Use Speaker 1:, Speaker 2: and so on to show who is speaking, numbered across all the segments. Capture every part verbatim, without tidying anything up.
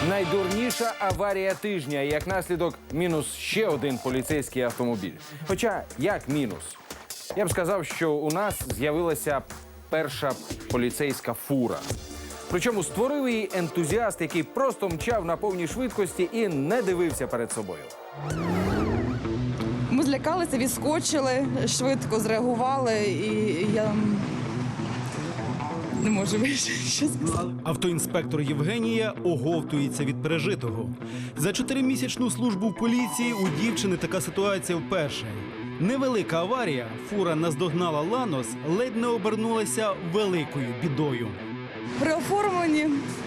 Speaker 1: Найдурніша аварія тижня. І як наслідок, мінус ще один поліцейський автомобіль. Хоча, як мінус? Я б сказав, що у нас з'явилася перша поліцейська фура. Причому створив її ентузіаст, який просто мчав на повній швидкості і не дивився перед собою.
Speaker 2: Ми злякалися, відскочили, швидко зреагували, і я не можу більше що сказати.
Speaker 3: Автоінспектор Євгенія оговтується від пережитого. За чотиримісячну службу в поліції у дівчини така ситуація вперше. Невелика аварія, фура наздогнала Ланос, ледь не обернулася великою бідою.
Speaker 2: При оформленні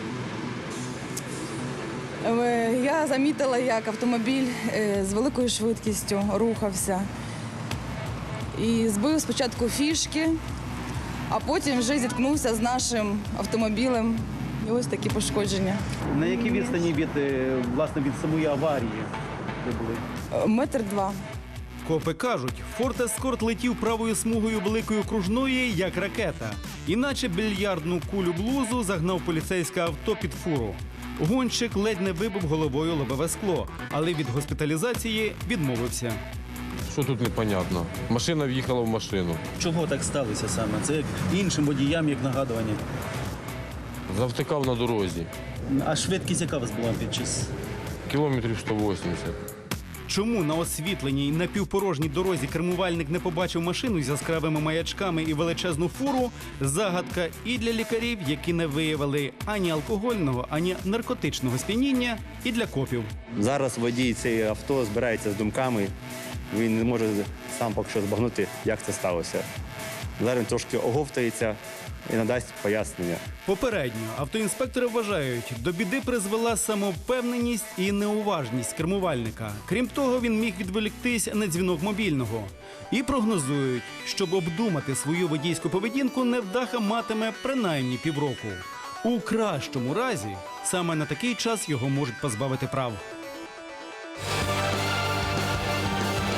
Speaker 2: е, я замітила, як автомобіль е, з великою швидкістю рухався. І збив спочатку фішки, а потім вже зіткнувся з нашим автомобілем. І ось такі пошкодження.
Speaker 4: На якій відстані від, е, власне, від самої аварії ви були?
Speaker 2: Е, Метр два.
Speaker 3: Копи кажуть, Форд Ескорт летів правою смугою великої окружної, як ракета. Іначе більярдну кулю блузу загнав поліцейське авто під фуру. Гонщик ледь не вибив головою лобове скло, але від госпіталізації відмовився.
Speaker 5: Що тут непонятно? Машина в'їхала в машину.
Speaker 4: Чого так сталося саме? Це як іншим водіям, як нагадування.
Speaker 5: Завтикав на дорозі.
Speaker 4: А швидкість яка у вас була під час?
Speaker 5: Кілометрів сто вісімдесят.
Speaker 3: Чому на освітленій напівпорожній дорозі кермувальник не побачив машину з яскравими маячками і величезну фуру – загадка і для лікарів, які не виявили ані алкогольного, ані наркотичного сп'яніння, і для копів.
Speaker 6: Зараз водій цієї авто збирається з думками. Він не може сам поки що збагнути, як це сталося. Зараз він трошки оговтається і надасть пояснення.
Speaker 3: Попередньо автоінспектори вважають, до біди призвела самовпевненість і неуважність кермувальника. Крім того, він міг відволіктись на дзвінок мобільного. І прогнозують, щоб обдумати свою водійську поведінку, невдаха матиме принаймні півроку. У кращому разі саме на такий час його можуть позбавити прав.